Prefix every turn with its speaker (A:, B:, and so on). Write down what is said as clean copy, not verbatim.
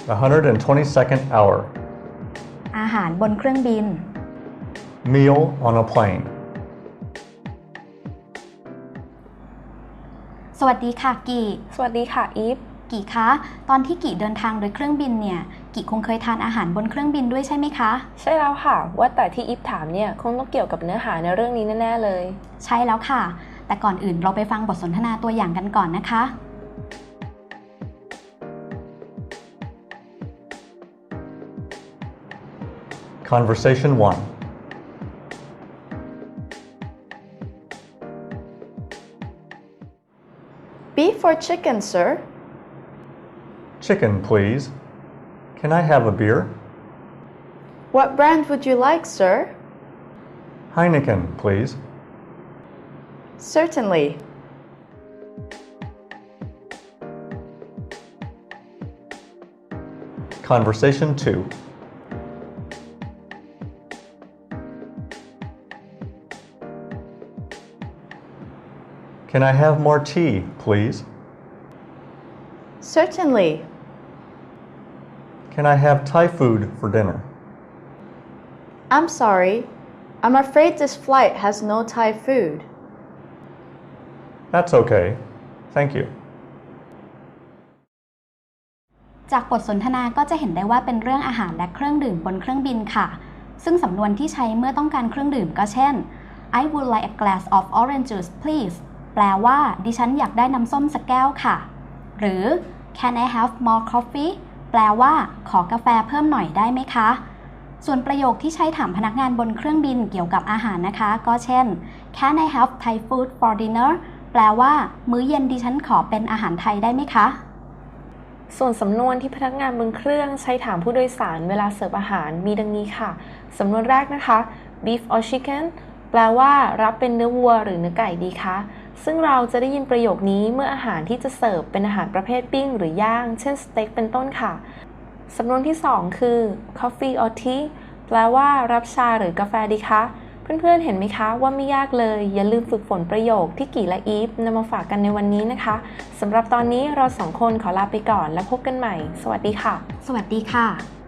A: The 122nd hour.
B: อาหารบนเครื่องบิน
A: Meal on a plane.
B: สวัสดีค่ะกี
C: สวัสดีค่ะอีฟ
B: กีคะตอนที่กีเดินทางโดยเครื่องบินเนี่ยกีคงเคยทานอาหารบนเครื่องบินด้วยใช่ไหมคะ
C: ใช่แล้วค่ะว่าแต่ที่อีฟถามเนี่ยคงต้องเกี่ยวกับเนื้อหาในเรื่องนี้แน่ๆเลย
B: ใช่แล้วค่ะ แต่ก่อนอื่นเราไปฟังบทสนทนาตัวอย่างกันก่อนนะคะ
A: Conversation 1.
D: Beef or chicken, sir?
A: Chicken, please. Can I have a beer?
D: What brand would you like, sir?
A: Heineken, please.
D: Certainly.
A: Conversation 2. Can I have more tea, please?
D: Certainly.
A: Can I have Thai food for dinner?
D: I'm sorry. I'm afraid this flight has no Thai food.
A: That's okay. Thank you.
B: จากบทสนทนาก็จะเห็นได้ว่าเป็นเรื่องอาหารและเครื่องดื่มบนเครื่องบินค่ะ ซึ่งสำนวนที่ใช้เมื่อต้องการเครื่องดื่มก็เช่น I would like a glass of orange juice please แปลว่าดิฉันอยากได้น้ำส้มสักแก้วค่ะ หรือ Can I have more coffee แปลว่าขอกาแฟเพิ่มหน่อยได้ไหมคะ ส่วนประโยคที่ใช้ถามพนักงานบนเครื่องบินเกี่ยวกับอาหารนะคะ ก็เช่น Can I have Thai food for dinner แปลว่ามื้อเย็นดิฉันขอเป็นอาหารไทยได้ไหมคะ
C: ส่วนสำนวนที่พนักงานบนเครื่องใช้ถามผู้โดยสารเวลาเสิร์ฟอาหารมีดังนี้ค่ะสำนวนแรกนะคะ beef or chicken แปลว่ารับเป็นเนื้อวัวหรือเนื้อไก่ดีคะซึ่งเราจะได้ยินประโยคนี้เมื่ออาหารที่จะเสิร์ฟเป็นอาหารประเภทปิ้งหรือย่างเช่นสเต็กเป็นต้นค่ะสำนวนที่2คือ coffee or tea แปลว่ารับชาหรือกาแฟดีคะเพื่อนๆเห็นไหมคะว่าไม่ยากเลยอย่าลืมฝึกฝนประโยคที่กี่และอีฟนำมาฝากกันในวันนี้นะคะสำหรับตอนนี้เรา2คนขอลาไปก่อนแล้วพบกันใหม่สวัสดีค่ะ
B: สวัสดีค่ะ